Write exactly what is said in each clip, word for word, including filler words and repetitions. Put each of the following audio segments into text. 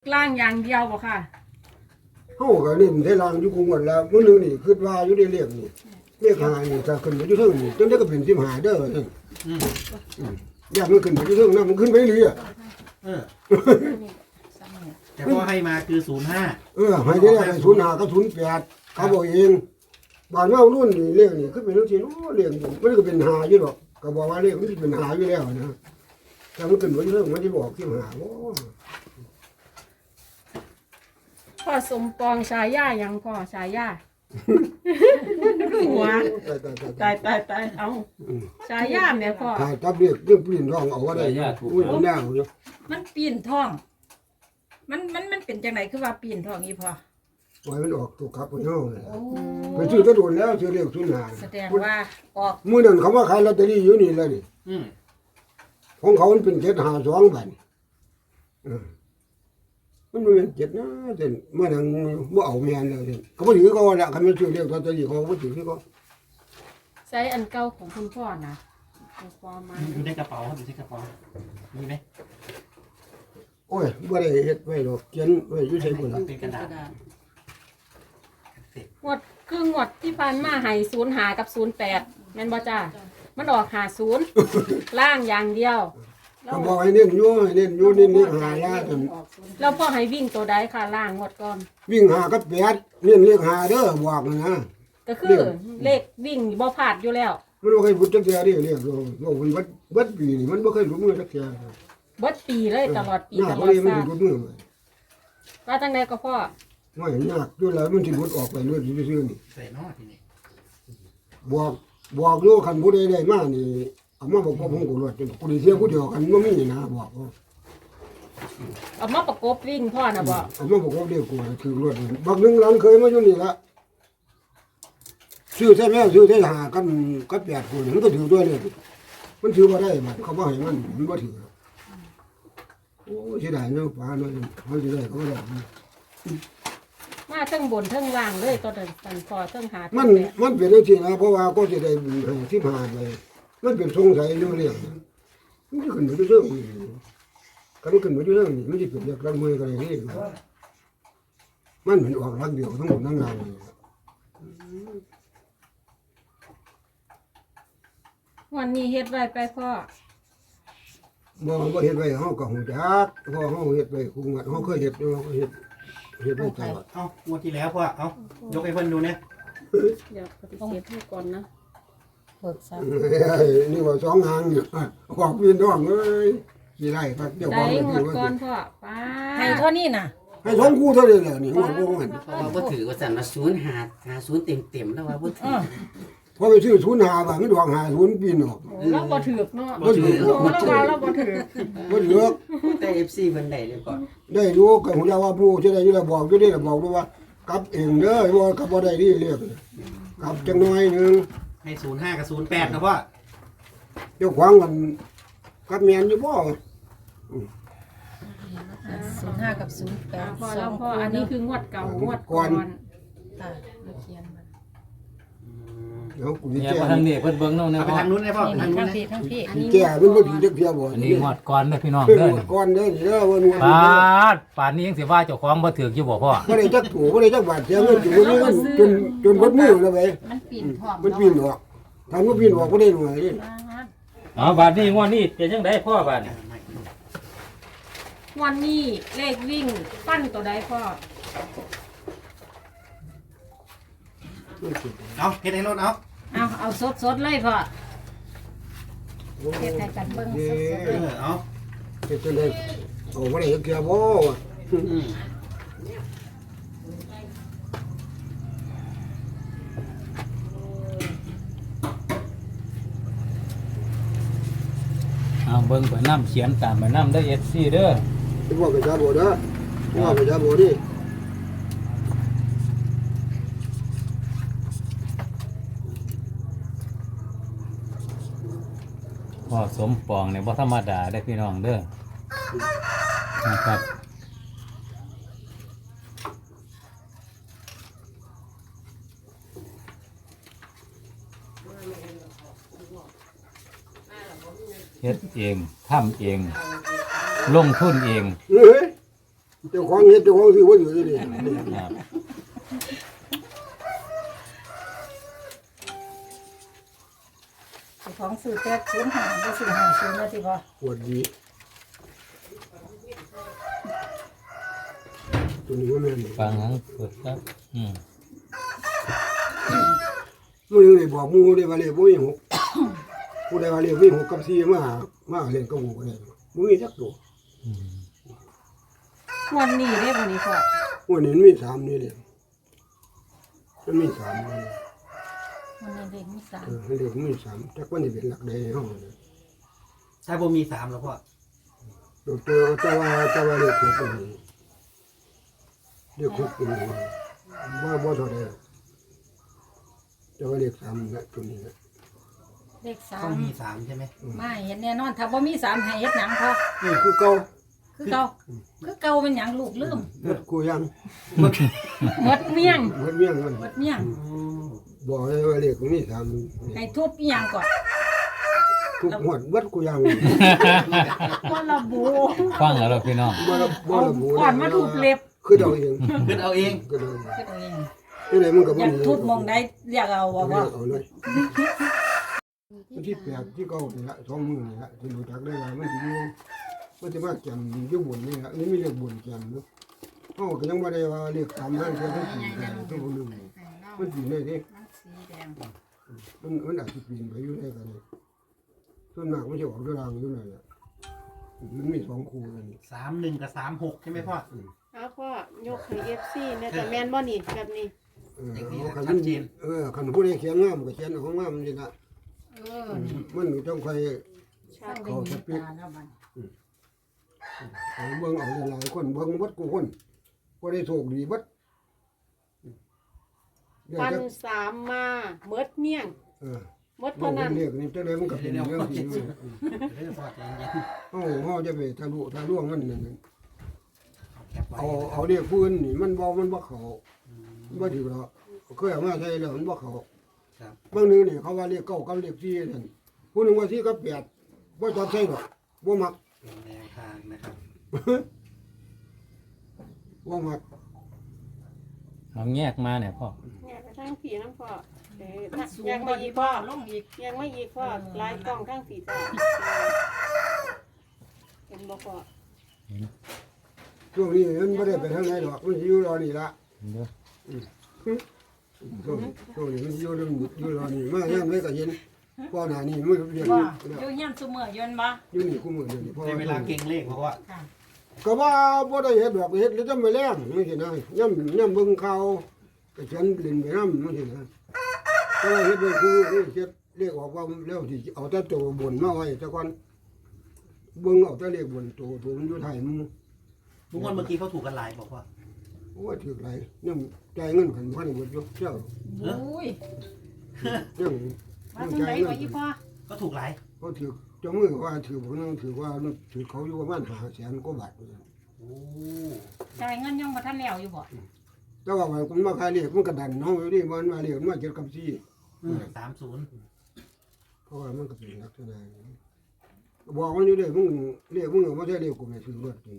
ล่างอย่างเดียวบ่ค่ะเฮาก็เน้นได้ล่างอยู่คุมกันแล้วมื้อนึงนี่คิดว่าอยู่ได้เรียกนี่เรียกหานี่ถ้าขึ้นไปอยู่เทิงนี่จนได้ก็เป็นสิบห้าเด้อนั่นอืมอืมอยากมันขึ้นไปอยู่เทิงนำมันขึ้นไปเรื่อยเออแต่พ่อให้มาคือศูนย์ห้าเออให้ได้ได้ศูนย์ห้ากับศูนย์แปดเขาบอกเองบ้านเฮารุ่นนี่เรียกนี่คือเป็นจังซี่เนาะเรียกมันก็เป็นหาอยู่ดอกก็บอกว่าเรียกมันสิเป็นหาอยู่แล้วนะถ้ามันขึ้นไปอยู่เทิงมันสิบอกสิหาบ่พ่อสมปองชายายังพ่อชายาหัวตายตายตายเอาชายาแม่พ่อถ้าจับเรียกเรื่องปีนท้องเอาก็ได้อุ้ยมันยากอยู่มันปีนท้องมันมันมันเป็นจังไหนคือว่าปีนท้องอีพ่อปล่อยมันออกตัวขับไปเฮาเลยไปซื้อกระโดดแล้วซื้อเรียกศูนย์ห้าแสดงว่าออกมื้อนั้นเขาว่าขายลอตเตอรี่อยู่นี่แล้วนี่อืมของเขามันเป็นเจ็ดห้าสองบัดเออมันบ่เป็นเจ็ดนะแต่เมื่อนั้นบ่เอาแม่นแล้วนี่เขาบ่ถือเขาว่าละคันมันซื้อเรียกลอตเตอรี่เขาบ่ถือเขาใช้อันเก่าของคุณพ่อนะคุณพ่อมาอยู่ในกระเป๋าครับอยู่ในกระเป๋ามีไหมโอ้ยบ่ได้เฮ็ดไว้ดอกเขียนไว้อยู่ไสพุ่นล่ะเป็นกระดาษงวดคืองวดที่ผ่านมาให้ศูนย์หากับศูนย์แปดแม่นบ่จ้ามันออกหาศูนย์ล่างอย่างเดียวเขาบอกให้เน้นอยู่ให้เน้นอยู่นี่นี่หาละจนแล้วพ่อให้วิ่งตัวใดค่ะล่างงวดก่อนวิ่งหากับแปดเน้นเรียกหาเด้อบอกนะก็คือเลขวิ่งบ่พลาดอยู่แล้วมันบ่เคยบุดจักเทื่อเด้เรียกโลโลมันเบิดเบิดปีนี่มันบ่เคยหลุดมือจักเทื่อเบิดปีเลยตลอดปีหน้าตลเขาอดเลยมันชาสิติหลุดมือเลยว่าจังไดก็พ่อไม่ยากด้วยแล้วมันสิหลุดออกไปเรื่อยซื่อๆนี่ใส่นอทีนี้บอกบอกอยู่คันผู้ใดได้มานี่เอามาบอกว่าผมก็รวดจนกูได้เสียผู้เดียวกันบ่มีนะบอกว่าเอามาประกบวิ่งพ่อนะบ่เอามาบอกว่าเดียวกูถือรวดบักหนึงหลังเคยมาอยู่นี่ละซื้อใช่ไหมซื้อได้หากันก็แปดคนมันก็ถือด้วยเลยมันถือบ่ได้บัดเขาบ่ให้มันมันบ่ถือโอ้เสียดายเนาะป้าเนาะเขาสิได้เขาบ่ได้มาเทั้งบนเทั้งล่างเลยตัวเดินตันพอเทั้งหามันมันเป็นจังซี่นะเพราะว่าก็สิได้ให้สิบห้าไปมันเป็นสงสัยอยู่เรื่องมันจะขึ้นไปเรื่องนี้กันขึ้นไปเรื่องนี้มันสิเป็นเรื่องรักมือกันนี่มันเป็นออกรักเดียวทั้งหมดทั้งงานเลยวันนี้เฮ็ดไว้ไปพ่อบ่บ่เฮ็ดไว้เฮาก็ฮู้จักเพราะเฮาเฮ็ดไว้คุงัดเฮาเคยเฮ็ดเฮาก็เฮ็ดเฮ็ดไว้ตลอดเอ้างวดที่แล้วพ่อเอ้ายกให้เพิ่นดูเนี่ยเดี๋ยวปฏิเสธให้ก่อนนะเบิกทรัพย์นี่ว่าสองหางอยู่ขอบพี่น้องเอ้ยสิได้ครับเดี๋ยวใจของหมดก่อนพ่อป้าให้เท่านี้น่ะให้สองคู่เท่านี้แหละนี่งวดบ่มันเพราะว่าบ่ถือว่าสั่นว่าศูนย์หาหาศูนย์เต็มเต็มๆแล้วว่าบ่ถือพอไปซื้อศูนย์ห้าบาทมันดอกห้าศูนย์ปีนออกโอ้เราบ่ถือกเนาะบ่ถือโอ้เราว่าเราบ่ถือกบ่ถือแต่ เอฟ ซี เพิ่นได้เลยก่อนได้รู้ก็ฮู้จักว่าผู้ที่ได้อยู่แล้วบอกอยู่นี่แล้วบอกด้วยว่ากลับเองเด้อบ่กลับบ่ได้นี่เรียกกลับจังน้อยนึงให้ศูนย์ห้ากับศูนย์แปดนะพ่อเจ้าของมันกลับแม่นอยู่บ่ศูนย์ห้ากับศูนย์แปอ่าดพ่อสแล้อวงพ่อคู่อันนี้เนาะคืองวดเก่างวดก่อนค่ะเราเขียนมันเดี๋ยวกูสิเนี่ยแก้มาทางนี้เพิ่นเบิ่งเนาะนะเอาไปพ่อทางนู้นเลยพ่อนี่ทางนู้ทั้นงเลยพี่ทั้งพี่สิแก้มันบ่ถือจักเที่ยบ่อันนี้งวดก่อนเด้อพี่น้องเด้เด้ออก่อนเด้อนี่เด้อว่าหนวดปาดป่านนี้ยังสิว่าเจ้าของบ่ถือกอยู่บ่พ่อบ่ได้จักถูบ่ได้จักบาทเสียเงินอยู่นี่มันจนจนเบิดมือแล้วเว้ยมันปีนท้องมันปีนออกถ้ามันปีนออกบ่ได้หน่วยนี่อ๋อบาดนี้งวดนี้เป็นจังไดพ่อบาดนี้วันนี้เลขวิ่งปั้นตัวใดพ่อเอาเฮ็ดให้รถเอาเอาเอาสดๆเลยพ่อเฮ็ดให้กันเบิ่งสดเออเอาเฮ็ดจังได๋เอาบ่ได้จักเที่ยบ่อืมเอาเบิ่งไปนำเขียนตามไปนำเด้อ เอฟ ซี เด้อสิว่าไปจ้าบ่เด้อว่าไปจ้าบ่นี่พ่อสมปองเนี่ยบ่ธรรมดาเด้อพี่น้องเด้อนะครับเฮ็ดเองทำเอง ลงทุนเองเฮ้ยเจ้าของเฮ็ดเจ้าของซื้อบ่อยู่นี่ครับเจ้าของซื้อแต่ศูนย์ห้าบ่ซื้อห้าศูนย์แล้วสิบ่ปวดดีตัวนี้ว่าแม่นฟังหลังเปิดครับอืมมื้อนึงได้บอกหมู่ได้ว่าเลขบ่มีหกผู้ใดว่าเลขมีหกกับสี่มาหามาเล่นกับหมู่ก็ได้บ่มีจักตัวอืมวันนี้เด้วันนี้พ่อวันนี้มันมีสามนี่เลยมันมีสามนี่มันนี่เด็กมีสามเออเลขมันมีสามจักวันนี้เป็นหลักใดในห้องเนี่ยถ้าบ่มีสามแล้วพ่อตัวตัวตัวว่าตัวว่าเลขหกเป็นเลขหกเป็นว่าบ่เท่าใดตัวว่าเลขสามนะตัวนี้นะเลขสาต้อมงมีสามใช่ไหมไม่เห็นแน่นอนถ้าบ่มีสามให้เฮ็ดหยังพอนี่คือเก่าคือเก่าคือเก่าเป็นหยังลูกลืมหมดกูยังหมดเมี่ยงหมดเมี่ยงมันหมดเมี่ยงบอกเลยว่าเลขมันมีสามให้ทุบอีหยังก่อนทุกหมดวัดกูยังบ่ระบุฟังแล้วเราพี่น้องบ่ระบ่ระบุก่อนมาถูกเล็บคือเดาเองขึ้นเอาเองคือเดาเองคือตัวเองนี่ไหนมันก็อบ่ยากมีทุบมองใดเรียกเอาบ่เอาว่าเอาเลยที่แปดที่เก้านี่ละสองมือนี่ละที่รู้จักได้ว่ามันสิอยู่มันจะมาแก่นอยู่บนนี่ละนี่มีเลขบนแก่นเนาะเฮาก็ยังบ่ได้ว่าเลขสามนั่นคือทั้งสี่แต่ทุกคนนึงมันสิได้เด้มันสีแดงมันมันอาจสิปีนไปอยู่ได้กันนี่ส่วนมากมันสิออกด้วยรางอยู่นั่นแหละมันมีสองคู่นั่นนี่สามหนึ่งกับสามหกใช่ไหมพ่อเอาพ่อยกให้ เอฟ ซี เนี่ยแต่แม่นบ่นี่แบบนี้เออเอาคันมันเออคันผู้ใดเขียนงามก็เขียนเอาของงามนี่ละเออมันต้องค่อยช่างเป็นมีตาแล้วบัดเอาเบิ่งเอาหลายๆคนเบิ่งเบัดกูคนบ่ได้โชคดีเบัดเดี๋ยวพันจะสามมาเมิดเมี่ยงเออหมดบ่เท่านั้นเรียกนี่จังได๋มันก็เป็นเรื่องที่อยู่เรื่องพ่อใจเย็นเฮาเฮาจะไปทะลุทะลวงมันนั่นเอาแคปไว้เอาเอาเรียกผู้อื่นนี่มันบ่มันบ่เข้าบ่ถือหรอกเคยเอามาใช้แล้วมันบ่เข้าครับบางนึงนี่เขาว่าเรียกเก้ากับเรียกสี่นั่นผู้หนึงว่าสี่กับแปดบ่จับใส่ดอกบ่มักเป็นแนวทางนะครับบ่มักเอาแยกมาเนี่ยพ่อเนี่ยไปทางผีน้ำพ่อเอ้ยมันสูงยังบ่ไม่อีอีกพ่อลงอีกยังไม่อีกพ่อลายกล้องทางผีจ้าเห็นบ่พ่อช่วงนี้มันบ่ได้ไปทางไหนดอกมันสิอยู่รอนี่ละเด้อช่วงช่วงนี้มันอยู่เรื่องอยู่รอนี่มายามใดก็เห็นพ่อหน้านี่มันเรียกบ่อยู่อยู่เฮียนซุมื้อยืนบ่อยู่นี่คู่มือเดี๋ยวนี้พ่อในเวลาเก่งเลขเพราะว่าค่ะก็ว่าบ่ได้เฮ็ดดอกเฮ็ดแล้วจะไม่แรงจังซี่นะย่ำย่ำเบิ่งข่าวก็เขียนเล่นไปนำจังซี่นะแต่ว่าเฮ็ดไว้คือเฮ็ดเรียกออกว่าแล้วสิเอาแต่ตัวบนมาไว้แต่ก่อนเบิ่งเอาแต่เลขบนตัวตัวมันอยู่ท้ายมือทุกคนเมื่อกี้เขาถูกกันหลายบอกว่าโอ้ยถือหลายย่ำจ่ายเงินกันพันหมดอยู่เจ้าอุ้ยยังว่ายังทางจ่าไหนยเงิบ่อีนพ่อก็ถูกหลายเขาถือเจ้ามือว่าถือผมนึงถือว่าถือเขาอยู่ประมาณห้าแสนกว่าบาทโอ้จ่ายเงินยังบ่ทันแล้วอยู่บ่แต่ว่ามันมาขายเลขมันกระดันเฮาอยู่ดิมันมาเลขมันมาเจ็ดกับสี่สามศูนย์เพราะว่ามันก็เป็นลักษณะอย่างนี้บอกมันอยู่เด้มึงเลขมึงเอามาใช้เลขกูไม่ซื้อรถจริง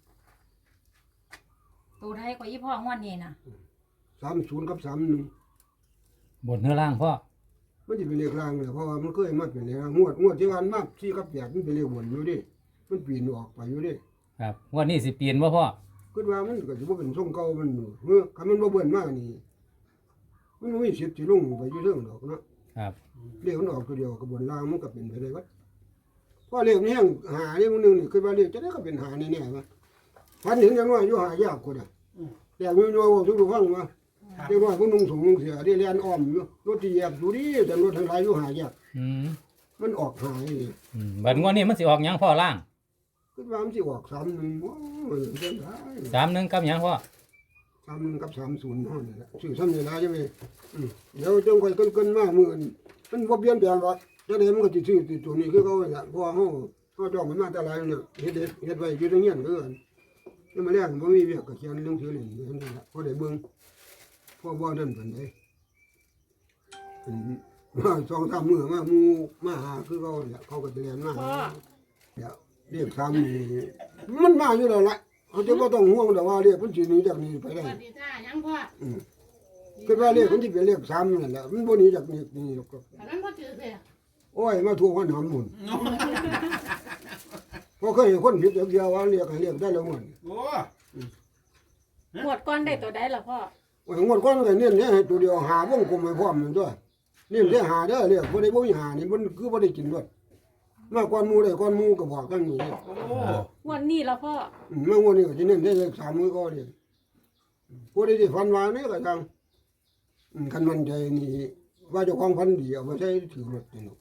ตัวไทยกว่าอีพ่องวดนี้น่ะสามศูนย์กับสามหนึ่งบนเนื้อล่างพ่อมันจะเป็นเลขรางเลยเพราะว่ามันเคยมาเป็นเลขรางงวดงวดที่วันมากสี่กับแปดมันเป็นเลขบนอยู่ดิมันปีนออกไปอยู่ดิครับงวันนี้สิเปลี่ยนบ่พ่อคิดว่ามันก็จะว่าเป็นทรงเก่ามันอยู่เมื่อคำมันบ่เบิ่นมากนี่มันบ่มีสิทธิ์ที่ลงไปอยู่เรื่องดอกเนาะครับเลขมันออกตัวเดียวกับบนรางมันก็เป็นไปได้วัดเพราะเลขมันแห้งหาเลขมันหนึ่งนี่คือว่าเลขจะได้ก็เป็นหาแน่ๆวะพันถึงจังว่าอยู่หายากกว่าน่ะแต่มีน้อยว่าทุกฟังว่าเรียกว่าพวกนุ่งสูงนุ่งเสียที่เรียนอ้อมอยู่รถที่แยบอยู่ดีแต่รถทั้งหลายอยู่หายากอืมมันออกหายนี่อืมบัดงวดนี้มันสิออกหยังพ่อล่างคิดว่ามันสิออกสามหนึ่งโอ้ยเส้นได้สามหนึ่งกับหยังพ่อสามหนึ่งกับสามศูนย์เท่านั้นแหละชื่อซ้ำนี่นะใช่ไหมอืมเดี๋ยวจงคอยเกินๆมามือนี่มันบ่เปลี่ยนแปลงหรอกจังได๋มันก็สิซื้อตัวนี้คือเขาแหละเพราะว่าเฮาเฮาจ้องมันมาแต่หลายเนี่ยเฮ็ดเฮ็ดเฮ็ดไว้อยู่ในเงี้ยนเด้อนี่มาแรงบ่มีเวียกก็เขียนเรื่องถือเล่นอยู่นั่นแหละพอได้เบิ่งพอบ่นั่นปานใดอืมมาสองสามมื้อมาหมู่มาหาคือเขาแหละเขาก็สิเรียนมาพ่อเดี๋ยวเรียกซ้ำนี่มันมาอยู่แล้วล่ะเอาจะบ่ต้องห่วงแต่ว่าเรียกมันสิหนีจากนี้ไปได้สวัสดีจ้ายังพ่ออืมคือว่าเรียกมันสิเป็นเรียกซ้ำนั่นแหละมันบ่หนีจากนี้นี่หรอกครับแต่นั้นพ่อจืดเลยโอ้ยมาทวงวันหำหมุนเพราะเคยเห็นคนผิดเดียวว่าเรียกให้เรียกได้แล้วมันโอ้หมวดก้อนได้ตัวใดล่ะพ่อโอ้ยงวดก่อนก็เน้นเนี่ยให้ตัวเดียวหาวงกลมให้พร้อมนั่นด้วยเน้นได้หาเด้อเรียกบ่ได้บ่มีหานี่มันคือบ่ได้กินด้วยมาก่อนหมู่ได้ก่อนหมู่ก็บอกกันนี่โอ้งวดนี้ล่ะพ่ออืมมางวดนี้ก็สิเน้นได้เลขสามมือก็เลยผู้ใดที่ฝันว่านี่ก็จังอืมคันมันใจนี่ว่าเจ้าของฝันดีเอาไปใช้ถือรถนี่เนาะ